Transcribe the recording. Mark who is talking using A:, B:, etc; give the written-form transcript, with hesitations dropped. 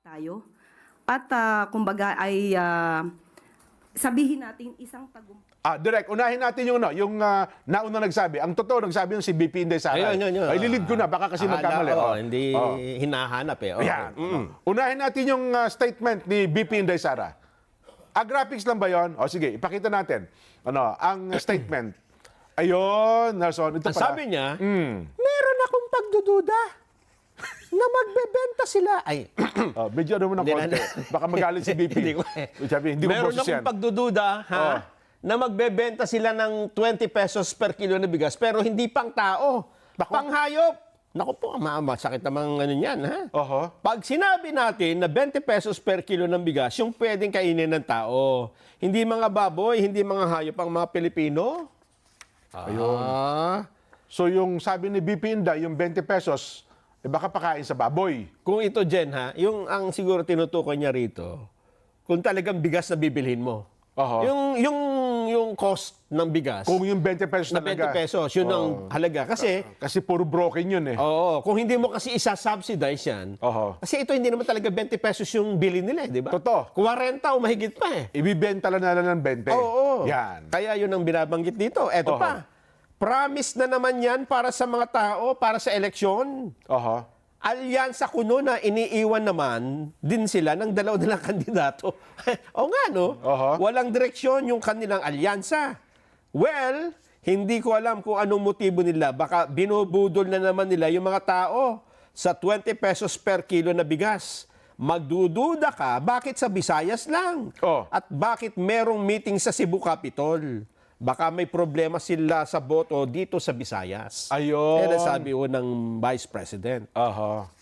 A: tayo. At kumbaga ay sabihin natin isang tagumpay.
B: Direk, unahin natin yung nauna nagsabi. Ang totoo nagsabi yung si BP Inday Sara.
C: Ayun.
B: Ay, lilid ko na, baka kasi magkamali.
C: Hindi hinahanap eh.
B: Yan. Unahin natin yung statement ni BP Inday Sara. Graphics lang ba yun? Sige, ipakita natin. Ang statement. Ayun, Nelson. Ito
C: Ang
B: pala.
C: sabi niya, meron akong pagdududa na magbebenta sila. Ay,
B: Medyo mo ng konti. Baka magalit si BP.
C: Hindi ko
B: Sabi, hindi ko
C: meron
B: boses yan.
C: akong pagdududa, na magbebenta sila ng 20 pesos per kilo na bigas, pero hindi pang tao, pang hayop. Naku po, masakit namang ano yan, ha? Pag sinabi natin na 20 pesos per kilo ng bigas, yung pwedeng kainin ng tao, hindi mga baboy, hindi mga hayop ang mga Pilipino.
B: Ayun. So yung sabi ni BP Inday, yung 20 pesos, baka pakain sa baboy.
C: Kung ito, Jen, ha, yung ang siguro tinutukoy niya rito, kung talagang bigas na bibilhin mo. Yung cost ng bigas.
B: Kung yung 20 pesos
C: na 20 pesos, yun ang halaga.
B: Kasi puro broken yun eh.
C: Oo, kung hindi mo kasi isa-subsidize yan, kasi ito hindi naman talaga 20 pesos yung bili nila, di ba?
B: Totoo.
C: 40 o mahigit pa eh.
B: Ibibenta lang nila ng 20.
C: Oo.
B: Yan.
C: Kaya yun ang binabanggit dito. Eto pa, promise na naman yan para sa mga tao, para sa eleksyon. Alyansa kuno na iniiwan naman din sila ng dalaw nilang kandidato. O nga, no? Walang direksyon yung kanilang alyansa. Well, hindi ko alam kung anong motibo nila. Baka binubudol na naman nila yung mga tao sa 20 pesos per kilo na bigas. Magdududa ka, bakit sa Visayas lang? At bakit merong meeting sa Cebu Capitol? Baka may problema sila sa boto dito sa Visayas.
B: Ayun.
C: Yan ang sabi ng Vice President.